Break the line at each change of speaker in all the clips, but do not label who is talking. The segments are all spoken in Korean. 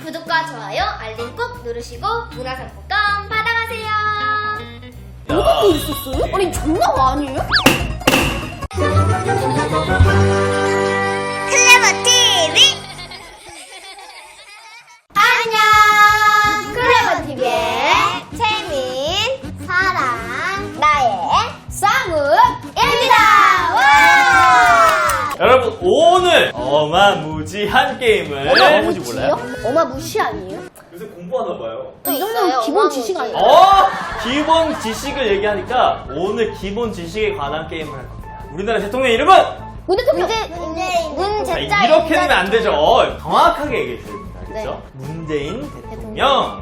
구독과 좋아요, 알림 꼭 누르시고 문화상품권 받아가세요.
이것도 있었어요? 아니 장난 아니에요?
클레버 TV. 안녕. 클레버 TV의 채민, 사랑, 나의 쌍우입니다. 와!
여러분 오늘 어마무지한 게임을 해보지 몰라요?
어마무시 아니에요?
요새 공부하나봐요.
이 정도면 기본 지식 아니에요?
기본 지식을 얘기하니까 오늘 기본 지식에 관한 게임을 할 겁니다. 우리나라 대통령 이름은?
문제자.
자, 이렇게 되면 안 되죠. 정확하게 얘기해 줘야 됩니다. 그렇죠? 문재인 대통령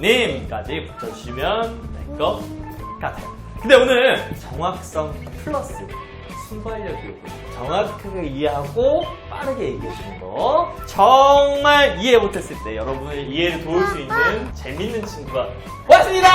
님까지 붙여주시면 될 것 같아요. 근데 오늘 정확성 플러스 순발력이 정확하게 이해하고 빠르게 얘기해주는 거, 정말 이해 못했을 때 여러분의 이해를 도울 수 있는 재밌는 친구가 왔습니다.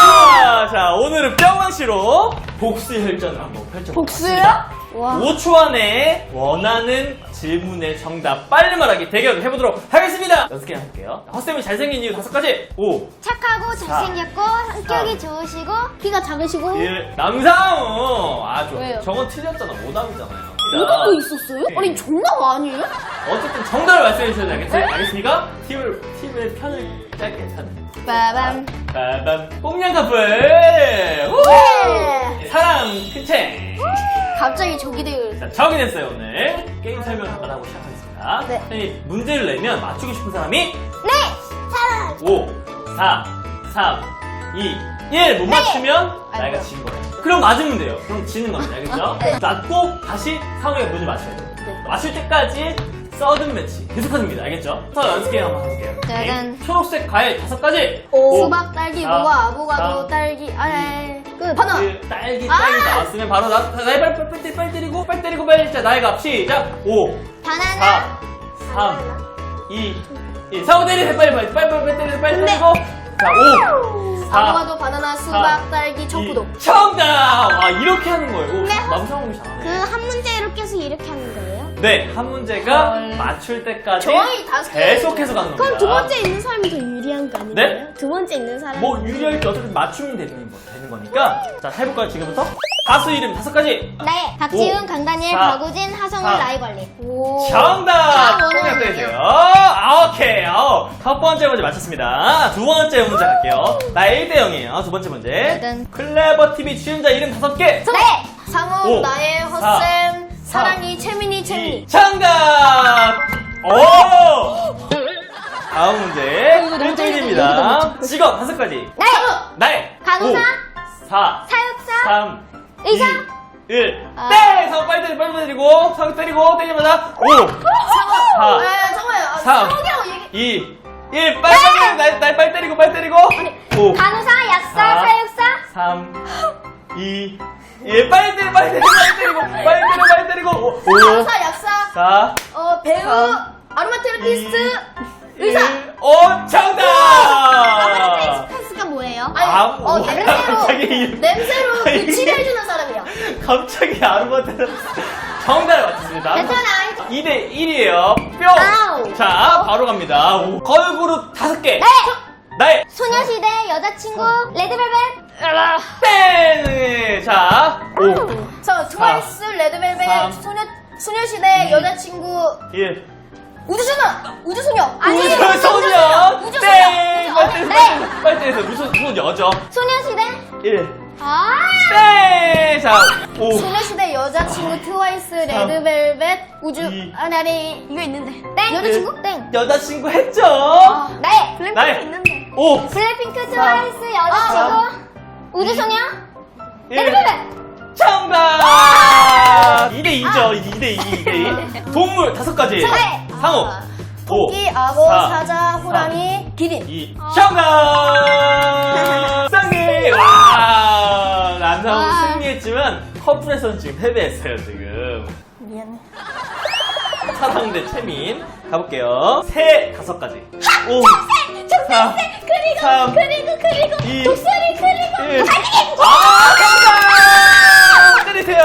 자, 오늘은 뿅망치로 복수 혈전을 한번 펼쳐볼게요.
복수요? 와.
5초 안에 원하는 질문의 정답 빨리 말하기 대결을 해보도록 하겠습니다. 연습 해볼게요. 헛쌤이 잘생긴 이유 5가지. 5,
착하고 잘생겼고 성격이 좋으시고
키가 작으시고
1, 남상우. 아, 좋아.
왜요?
저건 틀렸잖아. 오답이잖아요.
이것도 있었어요? 아니 장난 아니에요?
어쨌든 정답을 말씀해 주셔야 알겠습니까? 팀의 편을 짧게 편을.
빠밤.
빠밤. 꽁냥 커플. 우! 사랑 큰채.
갑자기 저기 되요.
자, 적이 됐어요. 오늘 게임 설명 잠깐 하고 시작하겠습니다.
네.
선생님, 문제를 내면 맞추고 싶은 사람이
네! 사랑!
5, 4, 3, 2, 1 못 맞추면 나이가
아이고.
진 거예요. 그럼 맞으면 돼요. 그럼 지는 겁니다. 알겠죠?
네.
맞고 다시 상우의 문을 맞춰야 돼요.
네.
맞출 때까지 서든 매치 계속합니다. 알겠죠? 더 연습 게임 한번 해볼게요.
짜잔.
초록색 과일 5가지.
수박, 딸기, 무화, 아보카도, 딸기, 끝. 바나나.
딸기 나왔으면 바로 나이 빨리 때리고 빨리 나이가 시작. 5,
바나나.
4, 3, 2, 1. 상우 때리세요. 빨리 때리고. 자, 5, 4,
아보카도, 바나나, 수박, 딸기, 청포도.
정답! 와, 이렇게 하는 거예요. 오,
네.
남상욱이 잘하네.
그 한 문제로 계속 이렇게 하는 거예요?
네, 한 문제가 맞출 때까지
저희 5개.
계속해서 가는 겁니다.
그럼 두 번째 있는 사람이 더 유리한 거 아니에요?
네?
두 번째 있는 사람이.
뭐 유리할지 어쨌든 맞추면 되는 거니까. 자, 해볼까요, 지금부터? 가수 이름 5가지.
네. 박지훈,
오,
강다니엘,
4,
박우진, 하성울,
3.
라이벌리.
정답!
원하는
꽁냥 때리세요. 오케이. 첫 번째 문제 맞췄습니다. 두 번째 문제 갈게요. 나 1대 0이에요. 두 번째 문제.
짜잔.
클레버 TV 출연자 이름 5개.
네!
상우,
오,
나의,
4,
헛쌤, 사랑이, 채민이.
정답! 오! 다음 문제.
이거 너무
1대1입니다. 직업 5가지.
네!
나의
간호사,
5, 4,
사육사,
3,
의사.
2, 1. 네! 상우 빨리 때리고, 상우 때리자마자 5, 4,
정말.
3,
상욱이라고 얘기.
2, 1. 날 빨리 때리고. 5,
간호사, 약사,
4,
사육사.
3, 2, 1. 빨리 때리고. 5,
간호사, 약사,
4,
배우,
3,
아로마 테라피스트,
2,
의사.
1. 오, 정답!
스가 뭐예요?
아니,
갑자기
냄새로
아니,
그 치료해주는 사람이야.
갑자기 아로마테라피 정답을 맞췄습니다.
괜찮아.
2대 1이에요. 뿅!
아우.
자, 바로 갑니다. 걸그룹 5개.
네!
나의
소녀시대 여자친구, 레드벨벳.
땡! 자, 5,
저 트와이스, 레드벨벳,
3,
소녀시대
2,
여자친구,
1.
우주소녀.
아니에요.
우주소녀!
우주소녀.
땡!
네.
빨리 때리세요. 우주소녀죠.
소녀시대.
1.
아.
땡! 자, 5.
소녀시대 여자친구, 트와이스, 레드벨벳, 우주,
이.
나리, 이거 있는데.
땡.
여자친구? 땡.
여자친구 했죠?
네.
나의
있는데.
5.
블랙핑크, 트와이스, 여자친구, 우주소녀,
1.
레드벨벳.
정답! 2대2죠. 2대2. 동물 5가지.
네.
상호. 5,
토끼, 악어,
4,
사자, 호랑이, 기린.
2. 정답! 승리! 와! 남상우
와.
승리했지만 커플에서는 지금 패배했어요, 지금.
미안해.
사상대 최민. 가볼게요. 새 5가지. 5, 4,
그리고,
3,
그리고,
2,
독수리, 그리고,
1.
달리기.
정답! 때리세요!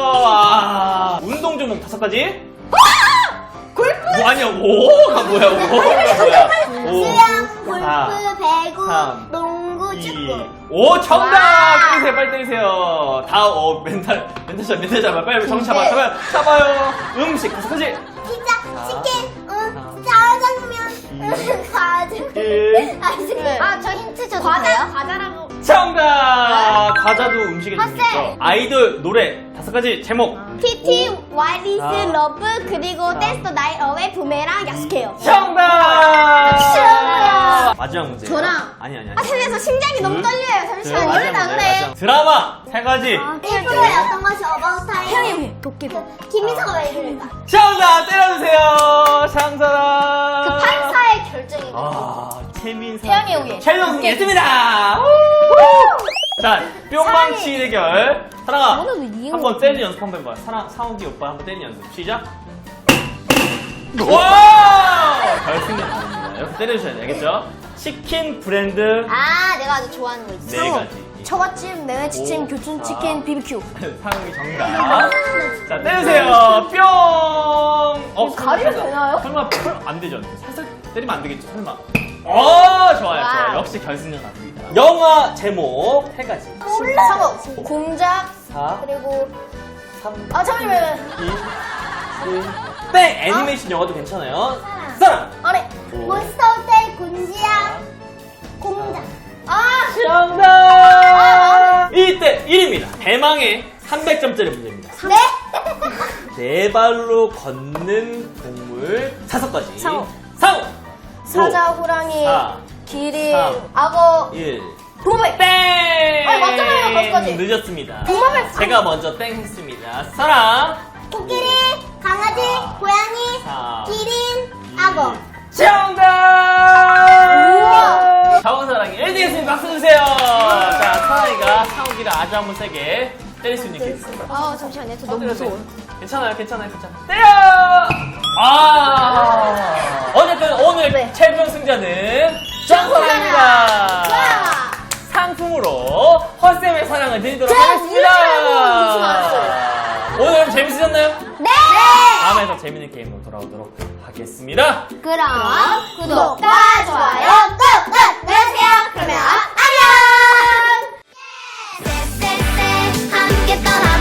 운동 종목 5가지. 골프! 뭐 아니야, 오가 뭐야, 오가 뭐야.
수영, 골프,
4,
배구,
3,
농구,
2,
축구.
오, 정답!
와.
때리세요, 빨리 때리세요. 다음, 멘탈 잡아. 빨리 정신 잡아요. 음식, 계속하지.
피자, 치킨, 짜장면,
2,
과자.
1.
저 힌트 줘도 돼요?
과자라고.
정답! 과자도 음식에
헛쌤.
들어있죠. 아이돌 노래 5가지 제목.
PT, 와이리스,
아.
러브, 그리고 댄스 더 나잇 어웨이, 부메랑, 약속해요.
정답!
싫어요.
마지막 문제.
저랑.
아니.
살려서 심장이 너무 떨려요. 잠시만요.
마지막 문제. 드라마 3가지.
1%의 어떤 것이 어바웃 타임. 태영이 도깨비. 김민서가 왜 이럴까?
정답! 때려주세요. 장사랑.
판사의 결정이.
최민사.
태연이 오예.
최민사 승리했습니다. 자, 뿅망치 대결. 사랑아, 한번 떼는 연습 한번 해봐. 상욱이 오빠 한번 떼는 연습. 시작. 와! 결승은 아닙니다. 이렇게 때려주셔야 돼, 알겠죠? 치킨 브랜드
내가 아주 좋아하는 거 있어.
4가지.
처갓집, 메뉴치킨,
오,
교촌치킨, BBQ.
상욱이 정답. 자, 때려주세요. 뿅!
가리면 되나요?
설마 안 되죠? 살짝 때리면 안 되겠죠? 설마. 좋아요.
와우.
역시 결승은 갑니다. 영화 제목 3가지.
상호. 공작,
4,
그리고.
3,
잠시만요.
2, 1. 땡! 애니메이션 영화도 괜찮아요. 사랑!
아래.
오.
몬스터호텔, 곤지야, 공작.
정답! 1대 1입니다. 대망의 300점짜리 문제입니다.
네?
네 발로 걷는 동물 5가지.
상어.
상어!
사자, 호랑이,
4,
기린,
3,
악어,
1.
도마뱀.
땡!
아니, 맞잖아요, 5가지.
늦었습니다.
도마뱀.
제가 먼저 땡 했습니다. 사랑!
코끼리, 강아지, 고양이,
4,
기린, 악어.
정답!
우와.
정사랑이 1등 했습니다. 박수 주세요. 자, 사랑이가 상욱이를 아주 한번 세게 때릴 수 있는 게 있습니다.
잠시만요. 저 너무 무서워.
괜찮아요. 때려! 어쨌든 오늘
네.
최종 승자는 정사랑입니다. 상품으로 헛쌤의 사랑을 드리도록 하겠습니다.
잊지 마세요.
오늘 여러분 재밌으셨나요?
네!
다음에 더 재밌는 게임으로 돌아오도록 하겠습니다.
그럼 구독과 좋아요 꾹꾹 눌러주세요. 그러면 안녕! 함께 떠나